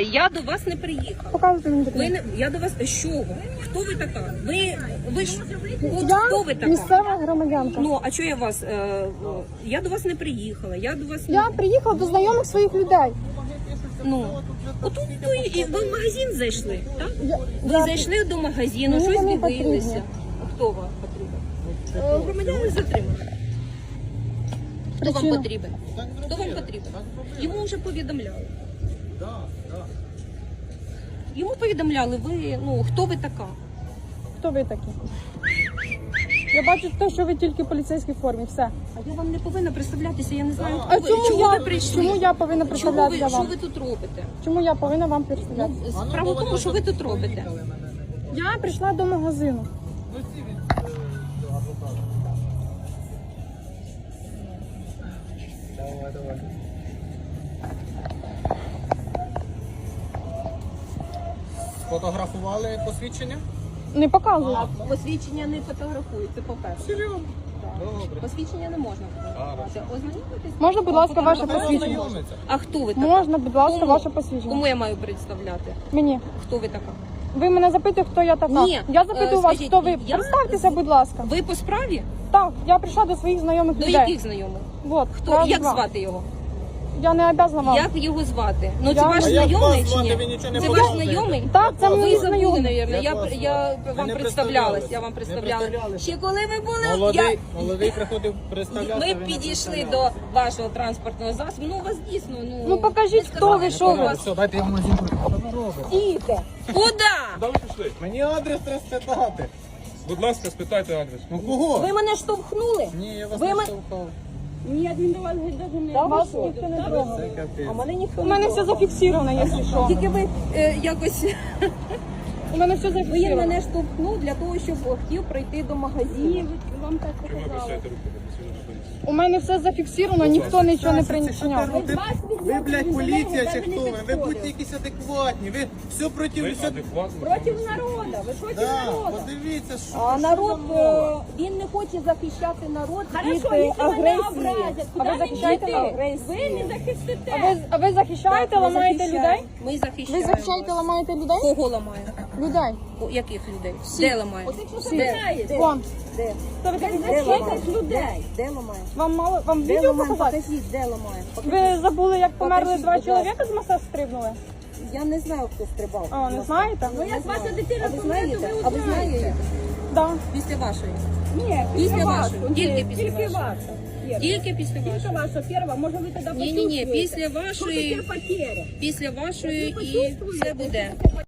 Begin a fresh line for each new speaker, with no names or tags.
Я до вас не приїхала.
Показуйте мені документи.
Я до вас... З чого? Хто ви така? Ви ж... От
Я
хто ви така?
місцева громадянка.
Ну, а чого я вас... Я до вас не приїхала. Я до вас...
Я приїхала до знайомих своїх людей.
Ну, отут і ви в магазин зайшли, так? Ви
Я-
зайшли до магазину,
Мені
щось
вони
дивилися.
потрібні.
А хто вам потрібен? Громадянин затриманий. Хто вам
Причина?
потрібен? Хто вам потрібен? Йому вже повідомляли. Йому повідомляли, ви, ну, хто ви така?
Хто ви такі? Я бачу те, що ви тільки в поліцейській формі. Все.
А я вам не повинна представлятися, я не знаю,
А
хто ви. Чого ви прийшли?
чому я повинна представлятися
Що
вам?
ви тут робите?
Чому я повинна вам представлятися?
Справа в тому, що ви тут робите.
Я прийшла до магазину.
Фотографували посвідчення?
Не показую.
Посвідчення не фотографують, це по-перше.
Серйозно? Добре.
Посвідчення не можна фотографувати. Ознайомитись?
Можна, будь ласка, ваше
Давай
посвідчення?
ознайомиться.
А хто ви така?
Можна, будь ласка,
Кому?
ваше посвідчення?
Кому я маю представляти?
Мені.
Хто ви така?
Ви мене запитуєте, хто я така?
Ні.
Я запитую вас,
Скажіть,
хто ви.
я-
Представтеся, будь ласка.
Ви по справі?
Так, я прийшла до своїх знайомих
До
людей.
яких знайомих?
Вот,
Хто?
раз,
Як
два.
звати його?
Я не обязана вам.
Як його звати? Ну це
Я-
ваш
А як
знайомий
вас
чи ні?
звати? Ви нічого не
Це ваш
показуєте.
знайомий?
Так, це
Ви
мій
забули,
знайомий.
мабуть.
Як вас
Я
звати?
вам
Ви не
представлялась, я вам
Не
представляла.
представлялись.
Ще коли ви були,
Молодий приходив представлятися.
ми
ви не
підійшли
представлялись.
до вашого транспортного засобу. Ну, у вас дійсно,
Ну, покажіть, хто ви, що ви.
Все, дайте я в магазин. Що ви робите?
Діти! Куди?
Куди ви пішли?
Мені адрес треба спитати.
Будь ласка, спитайте адрес.
Ну кого?
Ви мене штовхнули?
Ні, я вас
Ви
не
ми-
штовхав.
Ні, він до вас навіть не
Вас ніхто не трогав.
Це капець.
А мене ніхто
У
не
мене все
трогав.
зафіксовано, якщо що.
Тільки ви якось
У мене все
він
зафіксовано.
мене штовхнув для того, щоб хотів прийти до магазину.
Вам так
Чому ви просите руки до працівника поліції?
У мене все зафіксовано, ніхто нічого не
Це що ти
прийняв.
робите? Ви, блядь, поліція чи хто ви? Ви будьте якісь адекватні. Ви все проти
Ви
все.
адекватно?
Проти народу, ви проти
Да,
народу.
подивіться, що
А
що
народ,
за мова?
він не хоче захищати народ від
агресії.
агресії.
А ви захищаєте народ?
Ви не захистите.
А ви захищаєте,
Ми
ламаєте
захищаємо.
людей?
Ми
Ви
захищаємо.
захищаєте, ламаєте людей?
Кого ламає?
Людей.
Яких людей? Де ламає? Де?
Вон.
Де?
Хто ви такі?
Де ламає? Людей. Де ламає?
Вам мало, вам
Де
відео
ламає?
показати?
Покажіть, де ламає?
Ви забули, як померли
Покажіть,
два
будь ласка.
чоловіка з моста стрибнули?
Я не знаю, хто стрибав.
А, не знаєте?
Ну, як ваша дитина знаєте? А ви знаєте?
Да.
Після вашої?
Ні,
Після вашої. Тільки після
тільки
вашої.
ваша.
Тільки після
Тільки
вашої.
ваша перша, може ви тоді
Ні-ні-ні,
почувствуєте.
після
Що
вашої,
таке потеря?
після вашої і все буде.